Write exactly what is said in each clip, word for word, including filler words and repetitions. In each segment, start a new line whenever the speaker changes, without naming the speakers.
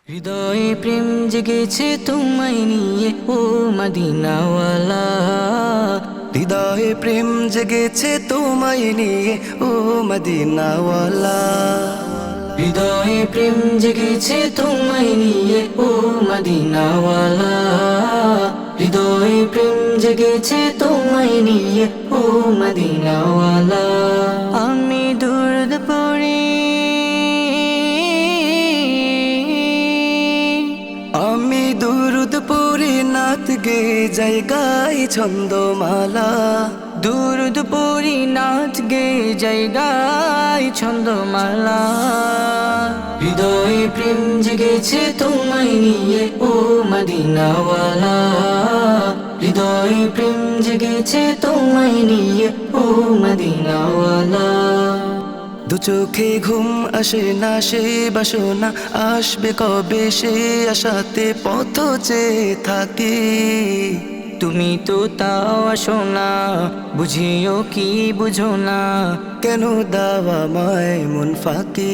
হৃদয়ে প্রেম জেগেছে তোমায় নিয়ে ও মদিনাওয়ালা।
হৃদয়ে প্রেম জেগেছে তোমায় নিয়ে ও মদিনাওয়ালা।
হৃদয়ে প্রেম জেগেছে তোমায় নিয়ে ও মদিনাওয়ালা। হৃদয়ে প্রেম জেগেছে তোমায় নিয়ে ও মদিনাওয়ালা। আমি দুরুদ পড়ি,
আমি দুরুদ পড়ি নাত গে জায়গায় ছন্দমালা।
দুরুদ পড়ি নাচ গে জায়গায় ছন্দমালা। হৃদয়ে প্রেম জেগেছে তোমায় নিয়ে ও মদিনাওয়ালা। হৃদয়ে প্রেম জেগেছে তোমায় নিয়ে ও মদিনাওয়ালা।
দু চোখে ঘুম আসে না সে বাসনা আসবে কবে সে আশাতে পথ চেয়ে থাকি।
তুমি তো তাও আসো না, বুঝিও কি বুঝো না।
কেন দাওয়া মায় মন ফাঁকি।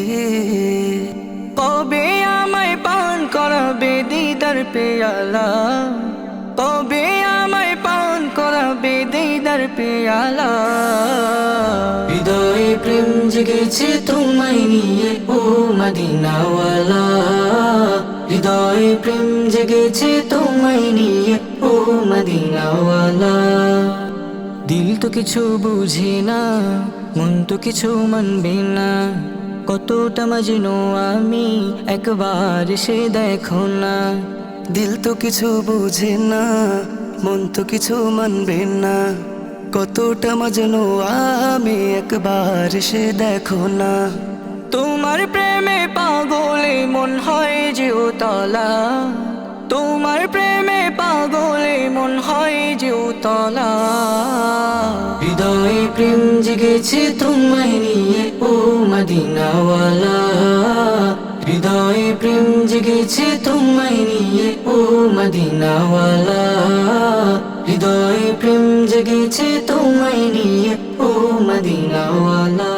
কবে আমায় পান করাবে দিদার পেয়ালা। কবে আমায় পান করাবে দিদার পেয়ালা। হৃদয়ে প্রেম জেগেছে তোমায় নিয়ে ও মদিনাওয়ালা। হৃদয়ে প্রেম জেগেছে তোমায় নিয়ে ও মদিনাওয়ালা। দিল তো কিছু বুঝে না, মন তো কিছু মানবে না। কতটা মজনু আমি একবার সে দেখো না।
দিল তো কিছু বুঝে না, মন তো কিছু মানবে না। কতটা মজনু আমি একবার সে দেখো না।
তোমার প্রেমে পাগলে মন হয় যে উতলা। তোমার প্রেমে পাগলে মন হয় যে উতলা। হৃদয়ে প্রেম জেগেছে তোমায় নিয়ে ও মদিনাওয়ালা। হৃদয়ে প্রেম জেগেছে তোমায় নিয়ে ও মদিনাওয়ালা। হৃদয়ে প্রেম জেগেছে তোমায় নিয়ে ও মদিনাওয়ালা।